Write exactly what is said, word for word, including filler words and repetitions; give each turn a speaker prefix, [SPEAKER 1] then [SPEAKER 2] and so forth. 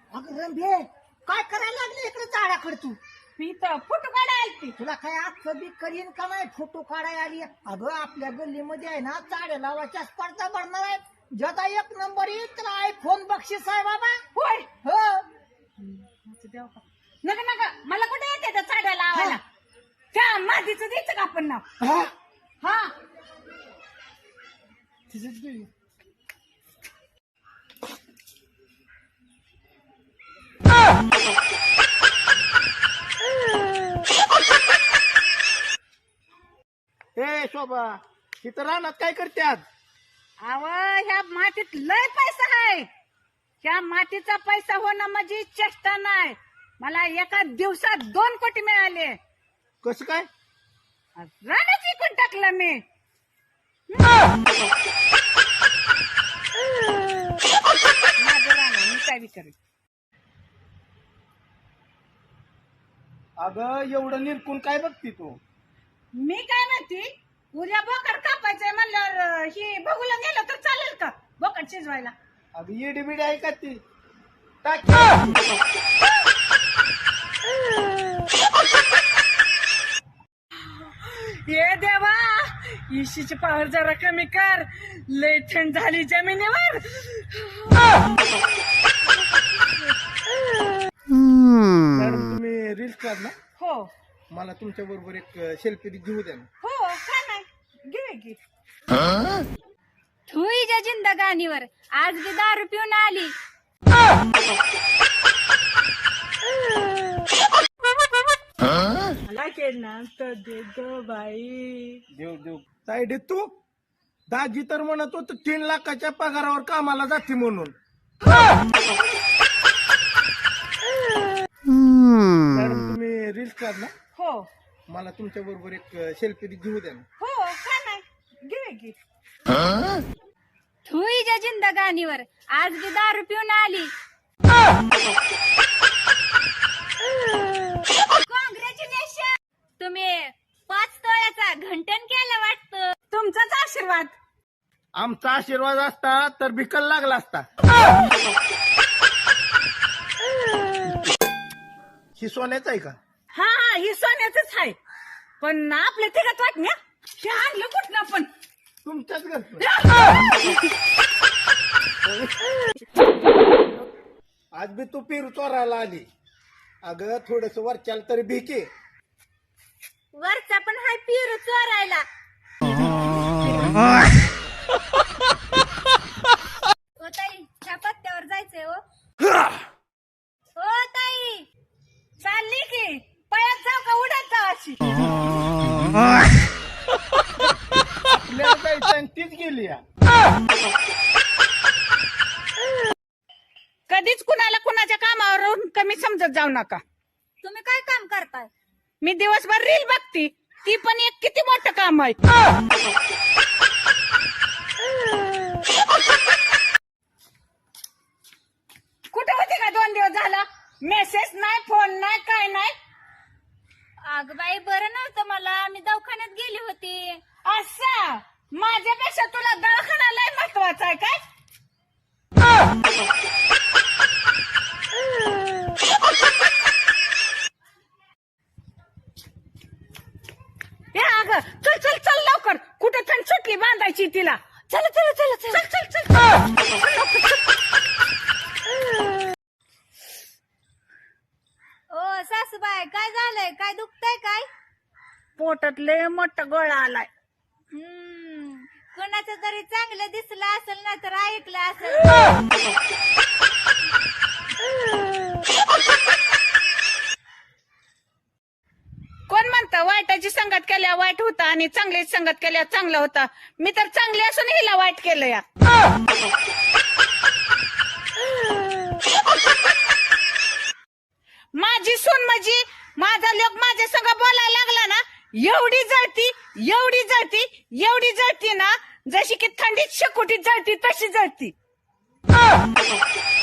[SPEAKER 1] अगं रंभे काय करायला लागले इकडे झाडाकडे तू?
[SPEAKER 2] मी तर फोटो काढायला ती
[SPEAKER 1] तुला काय आजचं बी करीन का नाही फोटो काढायला आली? अगं आपल्या गल्लीमध्ये आहे ना चाड्या लावायच्या स्पर्धा भरणार आहेत. ज्याचा एक नंबर येईल त्याला आयफोन बक्षीस आहे बाबा.
[SPEAKER 2] होय
[SPEAKER 1] हो
[SPEAKER 2] देव का नका नका मला कुठे येते त्या चाड्या लावायला. त्या मातीचं द्यायचं का आपण नाव?
[SPEAKER 1] हा?
[SPEAKER 2] हा
[SPEAKER 1] तिचंच घे.
[SPEAKER 3] ए शोभा तिथं रानात काय करते आज?
[SPEAKER 2] अव ह्या मातीत लय पैसा आहे. ह्या मातीचा पैसा होणं म्हणजे चेष्टा नाही. मला एका दिवसात दोन कोटी मिळाले.
[SPEAKER 3] कसं काय?
[SPEAKER 2] रानच विकून टाकलं मी. माझं रान आहे, मी काय विचारेल.
[SPEAKER 3] अगं एवढं निरकून काय बघती तू?
[SPEAKER 2] मी काय म्हणते उद्या बोकड कापायचंय म्हणल्यावर ही बघूला गेलं तर चालेल का बोकड शिजवायला?
[SPEAKER 3] अगं येडी बिडी आहे का ती? टाक.
[SPEAKER 2] ये देवा इशीची पावर जरा कमी कर. लय थंड झाली जमिनीवर.
[SPEAKER 3] मॅडम तुम्ही रील्स काढ ना,
[SPEAKER 2] हो
[SPEAKER 3] मला तुमच्या बरोबर एक सेल्फी घेऊ द्या ना.
[SPEAKER 2] हो काय नाही घे घे.
[SPEAKER 4] तुझ्या जिंदगानीवर आज बी दारू पिऊन आली.
[SPEAKER 2] मला केलं तर दे गं बाई.
[SPEAKER 3] देव देव साईड तू दाजी तर म्हणत होत तीन लाखाच्या पगारावर कामाला जाते म्हणून. मॅडम तुम्ही रील्स काढ ना,
[SPEAKER 2] हो
[SPEAKER 3] मला तुमच्या बरोबर एक सेल्फी घेऊ द्या ना.
[SPEAKER 2] हो काय नाही घे घे.
[SPEAKER 4] तुझ्या जिंदगानीवर आज बी दारू पिऊन आली. कॉंग्रॅच्युलेशन, तुम्ही पाच तोळ्याचा घंटन केलं वाटतं.
[SPEAKER 2] तुमचाच आशीर्वाद.
[SPEAKER 3] आमचा आशीर्वाद असता तर भिकल लागला असता. ही सोन्याचं आहे का?
[SPEAKER 2] हा हा ही सोन्याचंच आहे. पण आपल्या तिघात वाटण्या हे आणलं कुठनं पण.
[SPEAKER 3] तुमच्याच घरचं. आज बी तू पेरू चोरायला आली. अगं थोडस वरच्याला तरी भिके.
[SPEAKER 4] वरचा पण हाय पिरू चोरायला. ओ ताई ह्या पत्त्यावर जायचंय. हो हो ताई
[SPEAKER 2] चालली की पळत जाऊ का उडत जाऊ अशी?
[SPEAKER 3] आपल्याला जायचं आणि तीच गेली या.
[SPEAKER 2] कधीच कुणाला कुणाच्या कामावरून कमी समजत जाऊ नका.
[SPEAKER 4] तुम्ही काय काम करताय?
[SPEAKER 2] मी दिवसभर रील बघती. ती पण एक किती मोठं काम आहे. कुठे होते का दोन दिवस झाला? मेसेज नाही, फोन नाही, काय नाही.
[SPEAKER 4] अग बाई बरं नव्हतं मला, मी दवाखान्यात गेली होती.
[SPEAKER 2] असं माझ्यापेक्षा तुला दवाखाना लय महत्वाचा आहे काय? या अगं चल चल चल लवकर. कुठे थंड सुटली बांधायची तिला. चल चल चल चल चल चल.
[SPEAKER 4] ओ सासूबाई काय झालंय? काय दुखतंय काय?
[SPEAKER 2] पोटात लय मोठा गोळा आलाय.
[SPEAKER 4] हम्म कोणाचं तरी चांगलं दिसलं असेल ना तर ऐकलं असेल.
[SPEAKER 2] कोण म्हणतं वाईटाची संगत केल्या वाईट होता आणि चांगली संगत केल्या चांगला होता. मी तर चांगली असून हिला वाईट केलं या. माझी सून म्हणजे माझा लोक माझ्या संग बोलायला लागला ना एवढी जळती एवढी जळती एवढी जळती ना जशी की थंडीत शेकोटीत जळती तशी जळती.